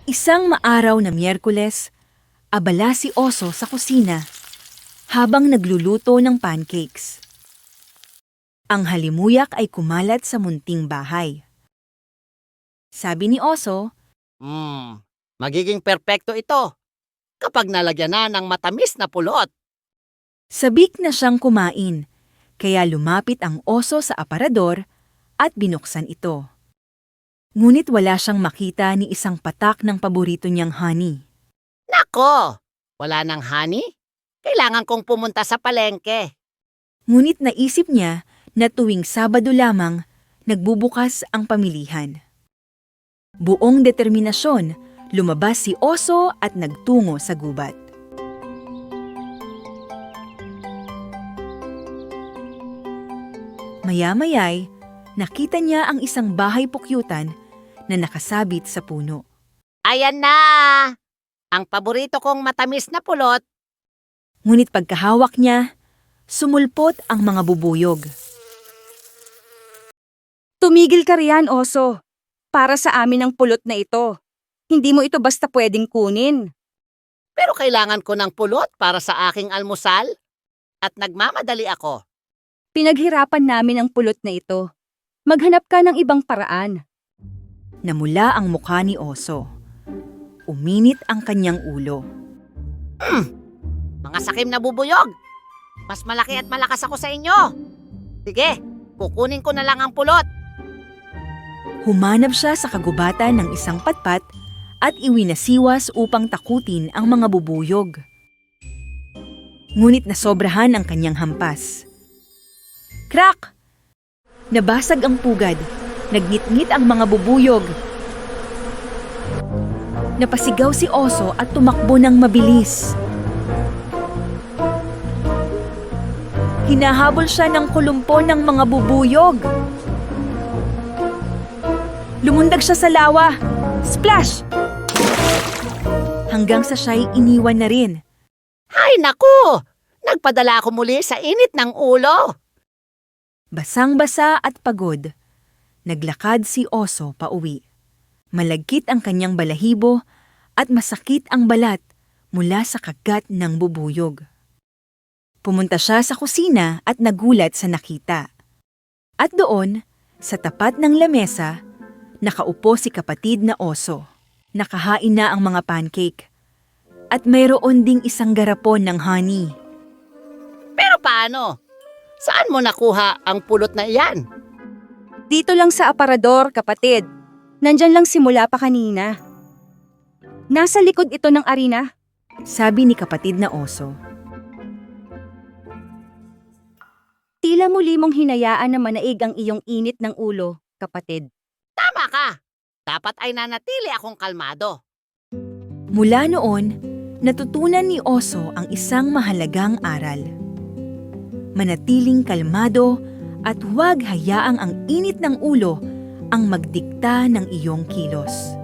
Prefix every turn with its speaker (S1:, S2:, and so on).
S1: Isang maaraw na Miyerkules, abala si Oso sa kusina habang nagluluto ng pancakes. Ang halimuyak ay kumalat sa munting bahay. Sabi ni Oso,
S2: Magiging perpekto ito kapag nalagyan na ng matamis na pulot.
S1: sabik na siyang kumain, kaya lumapit ang oso sa aparador at binuksan ito. Ngunit wala siyang makita ni isang patak ng paborito niyang honey.
S2: Nako! Wala ng honey? Kailangan kong pumunta sa palengke.
S1: Ngunit naisip niya na tuwing Sabado lamang nagbubukas ang pamilihan. Buong determinasyon, lumabas si Oso at nagtungo sa gubat. Maya-maya'y nakita niya ang isang bahay pukyutan na nakasabit sa puno.
S2: Ayan na! Ang paborito kong matamis na pulot.
S1: Ngunit pagkahawak niya, sumulpot ang mga bubuyog.
S3: Tumigil ka riyan, Oso. Para sa amin ang pulot na ito. Hindi mo ito basta pwedeng kunin.
S2: Pero kailangan ko ng pulot para sa aking almusal. At nagmamadali ako.
S3: Pinaghirapan namin ang pulot na ito. Maghanap ka ng ibang paraan.
S1: Namula ang mukha ni Oso. Uminit ang kanyang ulo.
S2: Mga sakim na bubuyog. Mas malaki at malakas ako sa inyo. Sige, kukunin ko na lang ang pulot.
S1: Humanap siya sa kagubatan ng isang patpat at iwinasiwas upang takutin ang mga bubuyog. Ngunit nasobrahan ang kanyang hampas. Crack! Nabasag ang pugad. Nagnitngit ang mga bubuyog. Napasigaw si Oso at tumakbo ng mabilis. Hinahabol siya ng kulumpo ng mga bubuyog. Lumundag siya sa lawa. Splash! Hanggang sa siya'y iniwan na rin.
S2: Ay naku! Nagpadala ako muli sa init ng ulo.
S1: Basang-basa at pagod, naglakad si Oso pauwi. Malagkit ang kanyang balahibo at masakit ang balat mula sa kagat ng bubuyog. Pumunta siya sa kusina at nagulat sa nakita. At doon, sa tapat ng lamesa, nakaupo si kapatid na Oso. Nakahain na ang mga pancake. At mayroon ding isang garapon ng honey.
S2: Pero paano? Saan mo nakuha ang pulot na iyan?
S3: Dito lang sa aparador, kapatid. Nandyan lang simula pa kanina. Nasa likod ito ng arena.
S1: Sabi ni kapatid na Oso.
S3: Tila muli mong hinayaan na manaig ang iyong init ng ulo, kapatid.
S2: Tama ka. Dapat ay nanatili akong kalmado.
S1: Mula noon, natutunan ni Oso ang isang mahalagang aral. Manatiling kalmado at huwag hayaang ang init ng ulo ang magdikta ng iyong kilos.